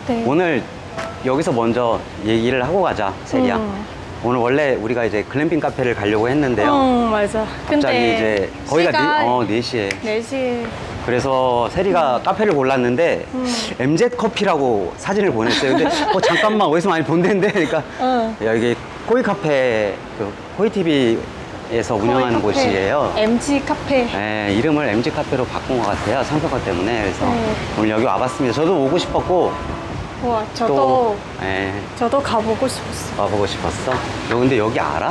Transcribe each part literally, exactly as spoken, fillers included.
네. 오늘 여기서 먼저 얘기를 하고 가자, 세리야. 음. 오늘 원래 우리가 이제 글램핑 카페를 가려고 했는데요. 응, 맞아. 갑자기 근데 이제 거기가 시간 네, 어, 네 시에. 네 시. 그래서 세리가 카페를 골랐는데 음. 엠젯 커피라고 사진을 보냈어요. 근데 어, 잠깐만 어디서 많이 본 데인데 그러니까 응. 야, 이게 코이 카페 그 코이 티비에서 운영하는 카페. 곳이에요. 엠지 카페. 네, 이름을 엠지 카페로 바꾼 것 같아요. 성표가 때문에. 그래서 네. 오늘 여기 와봤습니다. 저도 오고 싶었고 와, 저도 또 네, 저도 가보고 싶었어. 와보고 싶었어. 너 근데 여기 알아?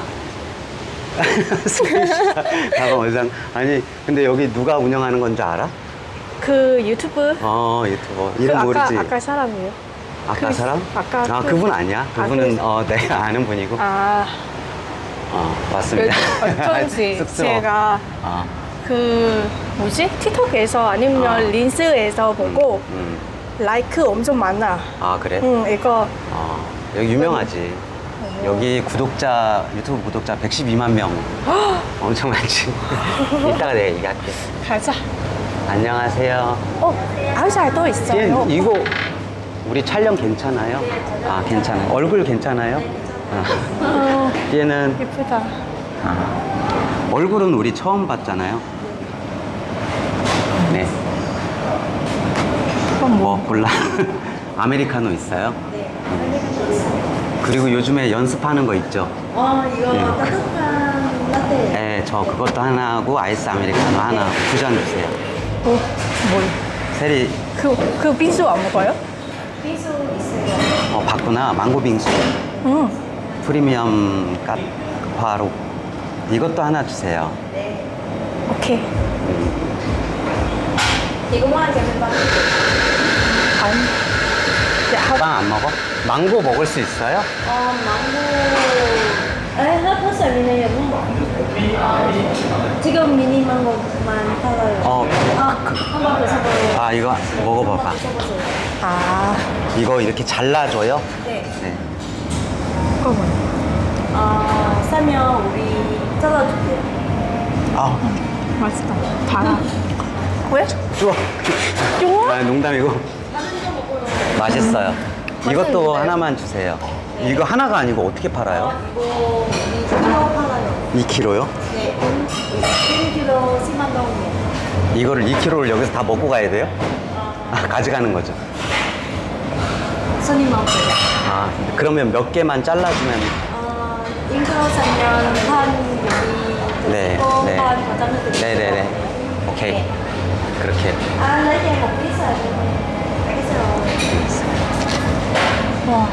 잠깐 원상 아니 근데 여기 누가 운영하는 건지 알아? 그 유튜브 어 유튜버 그 이름 아까 모르지? 아까 사람이에요. 아까 그- 사람? 아까 아 그- 그분 아니야. 아, 그분은 그- 어 내가 아는 분이고. 아, 어 맞습니다. 그 어쩐지 쑥스러워. 제가 어, 그 뭐지 틱톡에서 아니면 아. 린스에서 보고 음. 라이크 엄청 많아. 아 그래? 응, 이거 어 여기 유명하지. 여기 구독자 유튜브 구독자 백십이만 명 엄청 많지. 이따가 내가 얘기할게. 가자. 안녕하세요. 어, 아우사도 있어요. 얘, 이거 우리 촬영 괜찮아요? 아 괜찮아요. 얼굴 괜찮아요? 아. 어, 얘는 예쁘다. 아, 얼굴은 우리 처음 봤잖아요. 네. 그건 뭐 골라? 아메리카노 있어요? 네. 그리고 요즘에 연습하는 거 있죠? 어, 이거 네. 따뜻한 라떼. 네, 저 그것도 하나 하고 아이스 아메리카노 하나 두 잔 주세요. 어, 뭘? 세리 그, 그 빙수 안 먹어요? 빙수 있어요. 어, 봤구나. 망고 빙수. 응. 프리미엄 갓화로 이것도 하나 주세요. 네. 오케이. 이거만 되면 봐. 안. 야, 하- 빵 안 먹어? 망고 먹을 수 있어요? 어, 망고. 에, 핫퍼스 미니는 어, 지금 미니 망고만 팔아요. 어. 아, 한번 드셔봐요. 아 이거 먹어봐봐. 드셔보세요. 아, 이거 이렇게 잘라줘요? 네. 네. 그거 뭐야? 어, 싸면 우리 잘라줄게요. 아 맛있다. 달아. 왜? 좋아. 좋아? 아 농담이고. 맛있어요. 이것도 맛있는데요? 하나만 주세요. 이거 하나가 아니고 어떻게 팔아요? 이거 이 킬로 팔아요. 이 킬로요? 네. 일 킬로 십만 동이에요. 이거를 이 킬로를 여기서 다 먹고 가야 돼요? 아, 가져가는 거죠. 손님 많고요. 아, 그러면 몇 개만 잘라주면. 어, 일 킬로 사면 반 여기 네, 또 네. 반 과장해드릴게요. 네네네. 오케이. 네. 그렇게. 아, 이렇게 먹고 있어요. 알겠어요. 와.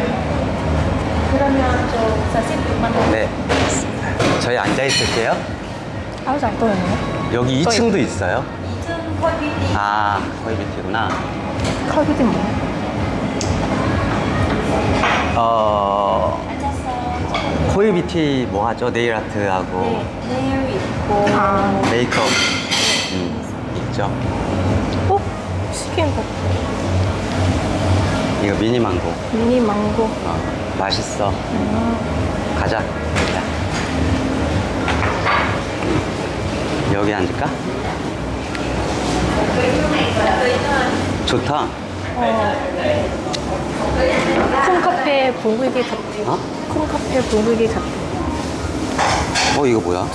그러면 저 사십육만 원. 네. 저희 앉아 있을게요. 아우사도 있네. 여기 또 이 층도 있어요. 이층 퀄비티. 아, 거의 밑이구나. 컬비디 뭐? 어, 앉았어. 코이 뷰티 뭐 하죠? 네일 아트하고 네, 네일 있고. 아. 메이크업 음, 있죠. 어? 시킨 거. 이거 미니 망고. 미니 망고. 어, 맛있어. 가자. 자. 여기 앉을까? 좋다. 콩카페 분위기 같아. 어? 콩카페 분위기 같아. 어, 이거 뭐야?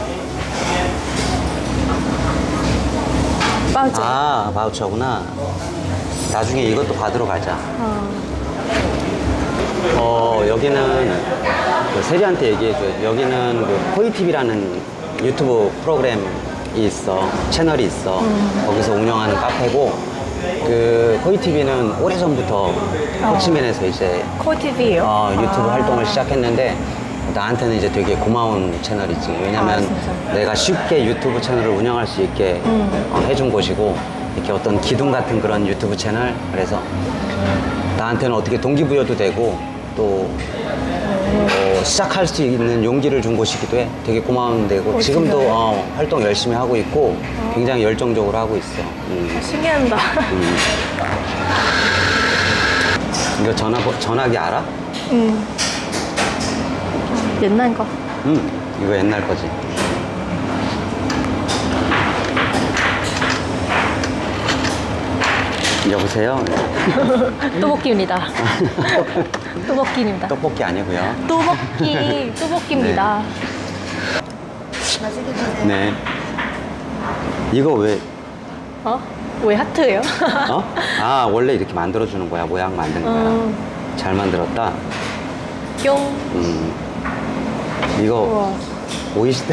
맞아. 아, 바우처구나. 나중에 이것도 받으러 가자. 어. 어, 여기는 그 세리한테 얘기해줘. 여기는 그 코이티비라는 유튜브 프로그램이 있어. 채널이 있어. 거기서 운영하는 카페고, 그 코이티비는 오래전부터 호치민에서 이제 코티비요? 어, 유튜브 아. 활동을 시작했는데 나한테는 이제 되게 고마운 채널이지. 왜냐면 아, 진짜? 내가 쉽게 유튜브 채널을 운영할 수 있게 음. 어, 해준 곳이고 이렇게 어떤 기둥 같은 그런 유튜브 채널 그래서 나한테는 어떻게 동기부여도 되고 또 어, 시작할 수 있는 용기를 준 곳이기도 해. 되게 고마운 데고 어, 지금도 진짜요? 어, 활동 열심히 하고 있고 굉장히 열정적으로 하고 있어. 음. 신기하다. 음. 이거 전화 전화기 알아? 음. 옛날 거. 응, 이거 옛날 거지. 여보세요? 또볶이입니다. 또볶이입니다. 떡볶이 아니고요. 또볶이, 또볶이입니다. 맛있게 드세요. 네. 이거 왜, 어? 왜 하트예요? 어? 아, 원래 이렇게 만들어주는 거야. 모양 만든 거야. 어, 잘 만들었다. 뿅. 음. 이거 우와. 오이시대.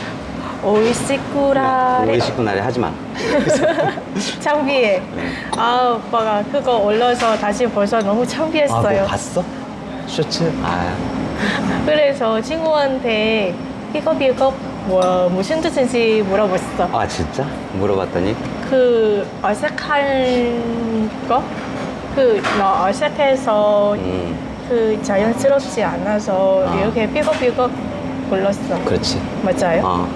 오이시쿠라. 오이시쿠 날에 하지 마. 창피해. 아, 오빠가 그거 올려서 다시 벌써 너무 아, 창피했어요. 뭐 봤어? 쇼츠? 아, 그래서 친구한테 이거 이거 뭐 무슨 뜻인지 물어봤어. 아 진짜? 물어봤더니 그 어색한 거? 그 너 어색해서 음, 그 자연스럽지 않아서 아. 이렇게 삐걱삐걱 불렀어. 그렇지. 맞아요? 어.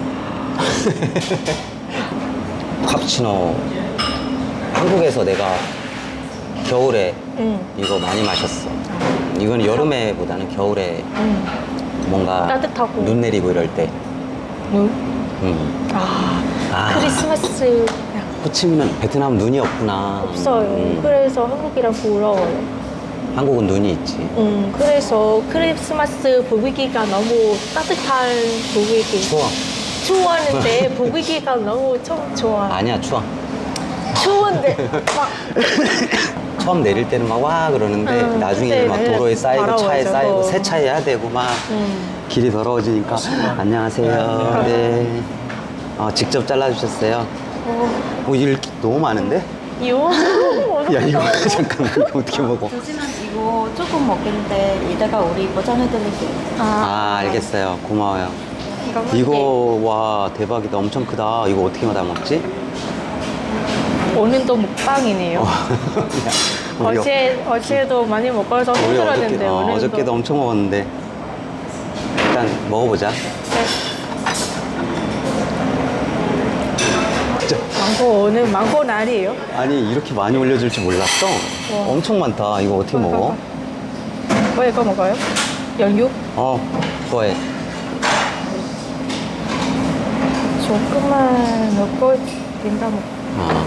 카푸치노 한국에서 내가 겨울에 응. 이거 많이 마셨어. 이건 여름에보다는 겨울에 응. 뭔가 따뜻하고. 눈 내리고 이럴 때. 눈? 음. 아, 아. 크리스마스 호치민은 베트남 눈이 없구나. 없어요. 음. 그래서 한국이랑 부러워요. 한국은 눈이 있지. 음, 그래서 크리스마스 분위기가 너무 따뜻한 분위기. 추워. 추웠는데 분위기가 너무 좀 좋아. 아니야 추워. 추운데 막 처음 내릴 때는 막 와 그러는데 음, 나중에 막 그때는 도로에 쌓이고 차에 더러워져서. 쌓이고 세차해야 되고 막 음. 길이 더러워지니까 안녕하세요. 네. 어, 직접 잘라주셨어요. 어, 뭐 일 너무 많은데? 이거 야 이거 잠깐만 이거 어떻게 먹어? 드시면 이거 조금 먹겠는데 이따가 우리 포장해드릴게요. 아 알겠어요. 고마워요. 이거 이거 와 대박이다. 엄청 크다. 이거 어떻게 받아 먹지? 오늘도 먹방이네요. 야, 우리 어제 어제도 많이 먹어서 우리 힘들었는데 어저께, 어, 오늘도. 어저께도 엄청 먹었는데 일단 먹어보자. 네. 진짜 망고 오늘 망고 날이에요. 아니 이렇게 많이 올려줄 줄 몰랐어. 와. 엄청 많다. 이거 어떻게 먹어? 뭐 이거 먹어요? 연육? 어, 그거에 조금만 넣고 된다 먹. 아.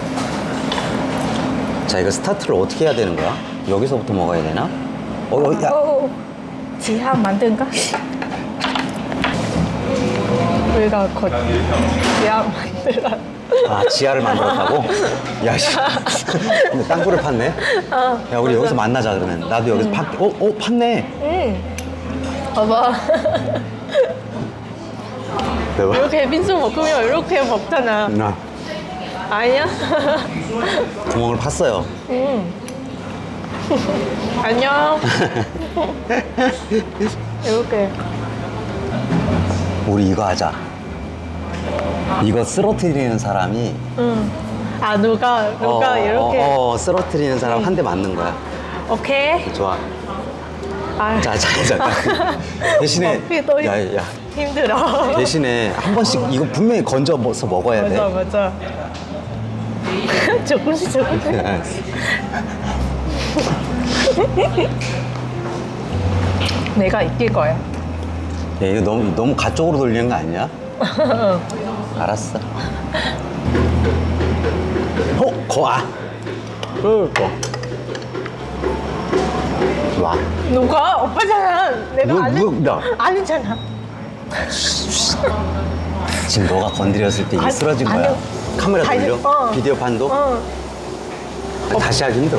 자 이거 스타트를 어떻게 해야 되는 거야? 여기서부터 먹어야 되나? 어, 어, 야. 어, 지하 만든가? 우리가 곧 지하 만들어. 아 지하를 만들었다고? 야 씨. 근데 땅굴을 팠네. 아, 야 우리 여기서 만나자 그러면. 나도 여기서 팠. 어, 어 팠네. 응. 봐봐. 대박. 이렇게 빈수 먹으면 이렇게 먹잖아. 나 아니야? 구멍을 팠어요. 응. 안녕. 이렇게. 우리 이거 하자. 이거 쓰러뜨리는 사람이 응. 아 누가 누가 어, 이렇게. 어, 어, 쓰러뜨리는 사람 한 대 맞는 거야. 오케이. 좋아. 아. 자, 자, 자. 대신에 먹기도 야, 야. 힘들어. 대신에 한 번씩 이거 분명히 건져서 먹어야 돼. 맞아 맞아. 조금씩 조금씩. 내가 이길 거야. 야, 이거 너무 너무 가쪽으로 돌리는 거 아니야? 알았어. 어, 거 아. 어, 거. 와. 누가 오빠잖아. 내가 누- 아니 누- 나? 아니잖아. 지금 너가 건드렸을 때 이게 아니, 쓰러진 거야. 아니요. 카메라 다시- 돌려? 어. 비디오 판도? 어. 아, 다시 하기 힘들어.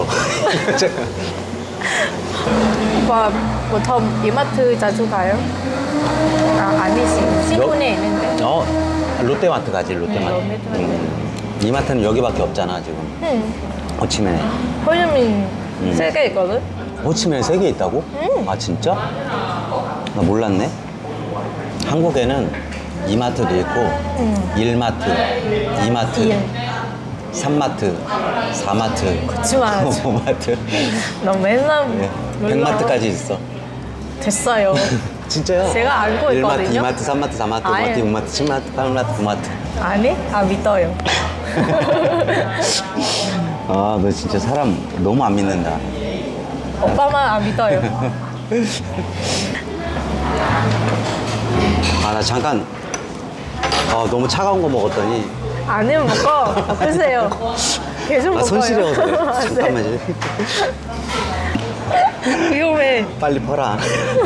오빠 보통 이마트 자주 가요? 아 아니지. 신분에 있는데. 어, 롯데마트 가지, 롯데마트. 네, 롯데마트. 음. 이마트는 여기밖에 없잖아, 지금. 응. 호치민에. 호주민 음. 세 개 있거든. 호치민에 세 개 있다고? 응. 아, 진짜? 나 몰랐네. 한국에는 이마트도 있고, 응. 일마트, 이마트, 일. 삼마트, 사마트, 그치만 오마트, 너 맨날 네, 몰라. 백마트까지 있어. 됐어요. 진짜요? 제가 알고 일마트, 있거든요. 이마트, 삼마트, 사마트, 아예. 오마트, 육마트, 칠마트, 팔마트, 구마트. 아니? 아 믿어요. 아, 너 진짜 사람 너무 안 믿는다. 오빠만 안 믿어요. 아, 나 잠깐, 아, 너무 차가운 거 먹었더니, 아니면 먹어. 엎으세요. 계속 아, 먹어요. 손 시려워서 그래. 네. 잠깐만. 위험해. 빨리 퍼라.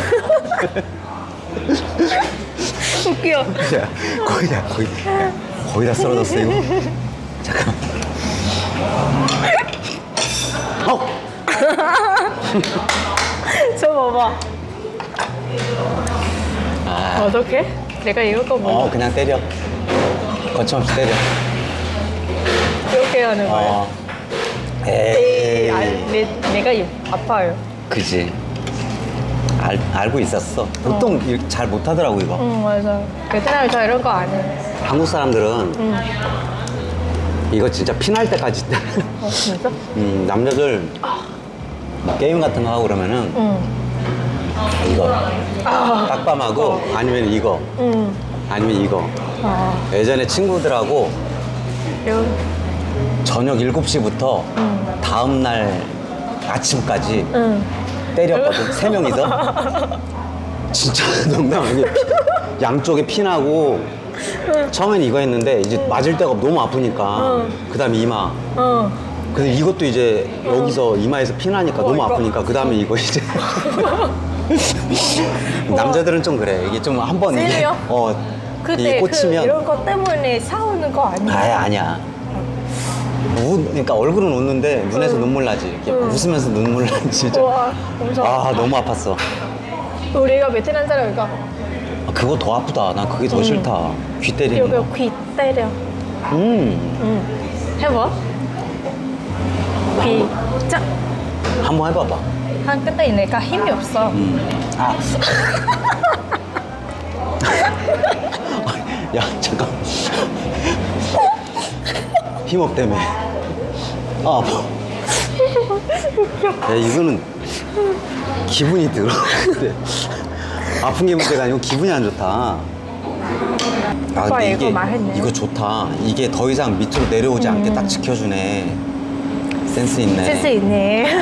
웃겨. 야, 거의 다, 거의, 야, 거의 다 썰어졌어, 이거. 잠깐. 어! 저 봐봐. 아, 어떡해? 내가 이거 거 먹어. 어, 그냥 때려. 거침없이 때려. 이렇게 하는 거예요. 어. 에이, 에이. 아, 내, 내가 이- 아파요. 그지. 알, 알고 있었어. 보통 이렇게 잘 못하더라고, 이거. 응, 맞아. 베트남에서 이런 거 안 해. 한국 사람들은 응. 이거 진짜 피날 때까지. 어, 진짜? 음, 남자들 뭐 게임 같은 거 하고 그러면은 응. 이거 딱밤하고 아니면 이거 응. 아니면 이거. 아, 예전에 친구들하고 이거. 저녁 일곱 시부터 응. 다음날 아침까지 응. 때렸거든. 세 명이서. 진짜 농담 아니게 양쪽에 피나고 처음엔 이거 했는데 이제 맞을 데가 너무 아프니까 응. 그 다음에 이마. 어. 근데 이것도 이제 여기서 이마에서 피나니까 어, 너무 이거. 아프니까 그 다음에 이거 이제 남자들은 좀 그래. 이게 좀 한번 이게 찔려? 어 그때 이게 그 꽂히면 이런 거 때문에 싸우는 거 아니야? 아예 아니야. 우, 그러니까 얼굴은 웃는데 눈에서 응. 눈물 나지. 이렇게 응. 웃으면서 눈물 나지 진짜. 우와, 엄청 아 아파. 너무 아팠어. 우리가 베트남 사람이니까 아, 그거 더 아프다. 난 그게 더 응. 싫다. 귀 때리는 거. 여기 귀 때려. 음, 응. 해봐. 귀 짝. 한번 해봐봐. 한 끝에 내가 힘이 없어. 음. 아. 야 잠깐. 힘 없다며. 아 아파. 야 이거는 기분이 들어. 근데 아픈 게 문제가 아니고 기분이 안 좋다. 아 오빠 근데 이거 말했네. 이거 좋다. 이게 더 이상 밑으로 내려오지 않게 딱 지켜주네. 센스 있네. 센스 있네.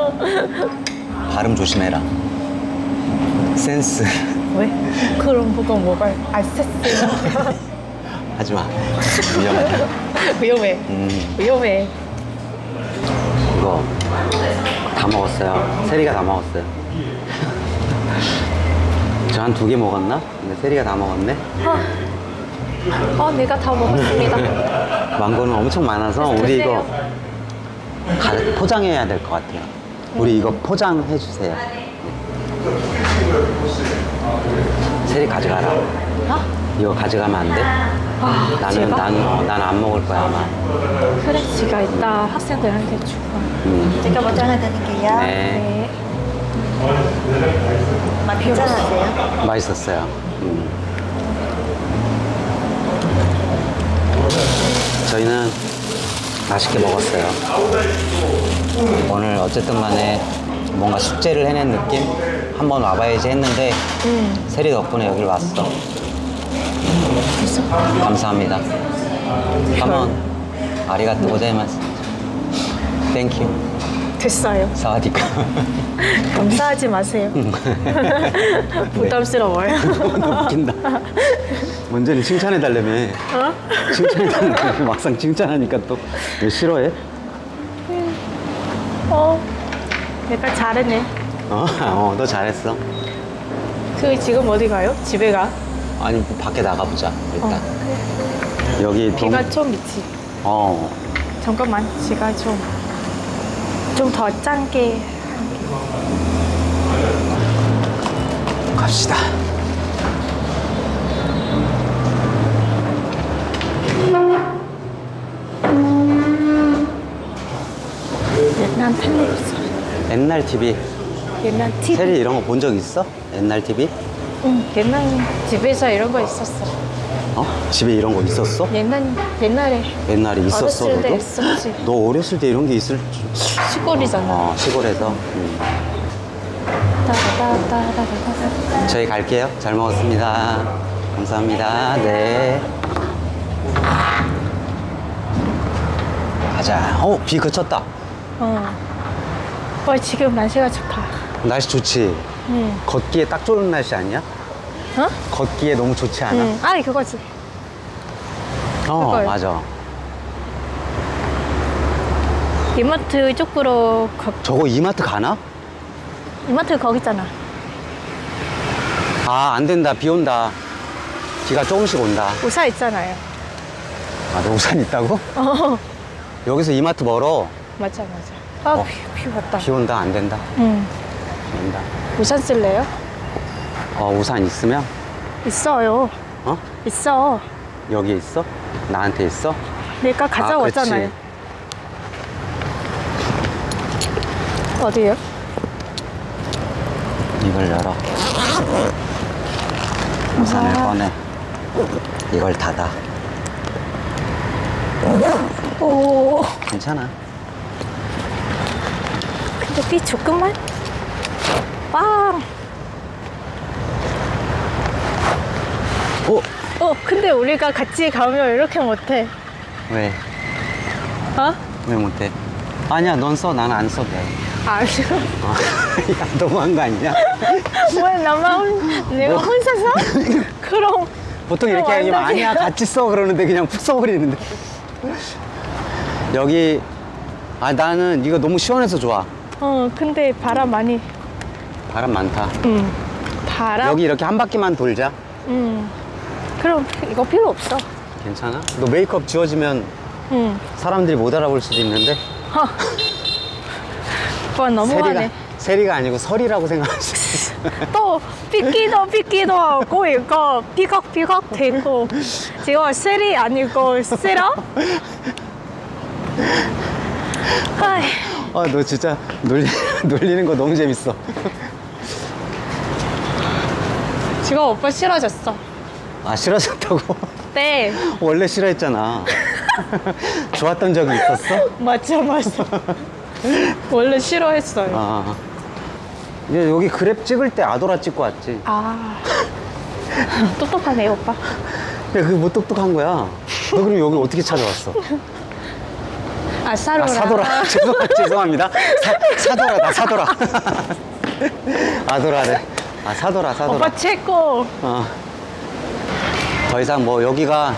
발음 조심해라. 센스. 왜? 그런 거가 뭐가 아 센스. 하지 마. 위험하다. 위험해. 음, 위험해. 이거 다 먹었어요. 세리가 다 먹었어요. 저 한 두 개 먹었나? 근데 세리가 다 먹었네. 아, 어, 내가 다 먹었습니다. 망고는 엄청 많아서 우리 이거 가, 포장해야 될 것 같아요. 우리 이거 포장해 주세요. 세리 가져가라. 어? 이거 가져가면 안 돼? 아, 나는 제가? 난 난 안 먹을 거야 아마. 그래, 지가 이따 학생들한테 주고. 음. 제가 먼저 하나 드릴게요. 네, 네. 맛 괜찮으세요? 맛있었어요. 음. 저희는 맛있게 먹었어요. 오늘 어쨌든 간에 뭔가 숙제를 해낸 느낌? 한번 와봐야지 했는데 음. 세리 덕분에 여길 왔어. 감사합니다. 한번 아리가또 고자이마스. 땡큐. 됐어요. 사와디카. 감사하지 마세요. 부담스러워요. 너 웃긴다. 먼저는 칭찬해달라며. 어? 칭찬해달라며. 막상 칭찬하니까 또 왜 싫어해? 어, 내가 잘했네. 어, 어, 너 잘했어. 그 지금 어디 가요? 집에 가? 아니, 뭐 밖에 나가보자, 일단. 어, 여기 동, 비가 좀 있지. 어, 잠깐만, 지가 좀 좀 더 짠게. 갑시다. 옛날 텔레비전, 옛날 티비. 옛날 티비. 세리 이런 거 본 적 있어? 옛날 티비? 응, 옛날 집에서 이런 거 있었어. 어? 집에 이런 거 있었어? 옛날 옛날에 옛날에 있었어, 어렸을 때 너도? 있었지. 너 어렸을 때 이런 게 있을 줄. 시골이잖아. 어, 시골에서. 음. 따다다다다다다. 저희 갈게요. 잘 먹었습니다. 감사합니다. 네. 가자. 어, 비 그쳤다. 어. 어, 지금 날씨가 좋다. 날씨 좋지? 응. 걷기에 딱 좋은 날씨 아니야? 어? 걷기에 너무 좋지 않아? 응. 아니 그거지. 어, 그걸. 맞아. 이마트 쪽으로 가, 저거 이마트 가나? 이마트 거기 있잖아. 아, 안 된다. 비 온다. 비가 조금씩 온다. 우산 있잖아요. 아, 너 우산 있다고? 어, 여기서 이마트 멀어. 맞아, 맞아. 아, 어. 비, 비 왔다. 비 온다. 안 된다. 응. 비 온다. 우산 쓸래요? 어, 우산 있으면? 있어요. 어? 있어. 여기 있어? 나한테 있어? 내가 가져왔잖아요. 아, 어디요? 이걸 열어. 우산을 아. 꺼내. 이걸 닫아. 오. 괜찮아. 근데 비 조금만? 빵! 어? 어, 근데 우리가 같이 가면 이렇게 못해. 왜? 어? 왜 못해? 아니야, 넌 써. 나는 안 써도 돼. 아니요. 어. 야, 너무한 거 아니냐? 왜 나만, 혼- 내가 뭐? 혼자 서? 그럼. 보통 이렇게 그럼 하면 완전히- 아니야, 같이 써. 그러는데 그냥 푹 써버리는데. 여기, 아, 나는 이거 너무 시원해서 좋아. 어, 근데 바람 많이. 바람 많다. 응. 바람? 여기 이렇게 한 바퀴만 돌자. 응. 그럼 이거 필요 없어. 괜찮아? 너 메이크업 지워지면 응. 사람들이 못 알아볼 수도 있는데. 어. 오빠 너무하네. 세리가, 세리가 아니고 설이라고 생각할 수 있어. 또 삐끼도 삐끼도 하고 이거 삐걱삐걱 되고 지금 셀이 아니고 세라? 아이, 아, 너 진짜 놀리, 놀리는 거 너무 재밌어. 지금 오빠 싫어졌어. 아, 싫어졌다고? 네, 원래 싫어했잖아. 좋았던 적이 있었어? 맞아 맞아. 원래 싫어했어요. 아. 이제 여기 그랩 찍을 때 아도라 찍고 왔지. 아, 똑똑하네 오빠. 야, 그게 뭐 똑똑한 거야. 너 그럼 여기 어떻게 찾아왔어? 아 사로라. 아, 사도라. 죄송, 죄송합니다. 사, 사도라다, 사도라. 아도라래. 아, 사도라, 사도라. 오빠 최고. 어. 더 이상 뭐 여기가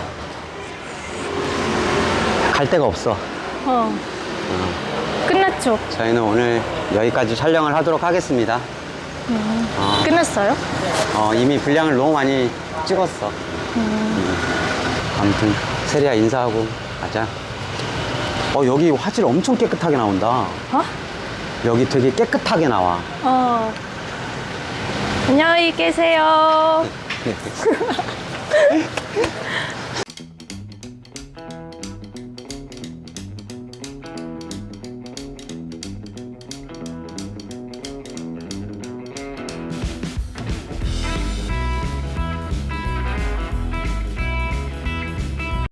갈 데가 없어. 어. 끝났죠? 저희는 오늘 여기까지 촬영을 하도록 하겠습니다. 어, 끝났어요? 어, 이미 분량을 너무 많이 찍었어. 음. 아무튼 세리야 인사하고 가자. 어, 여기 화질 엄청 깨끗하게 나온다. 어? 여기 되게 깨끗하게 나와. 어. 안녕히 계세요.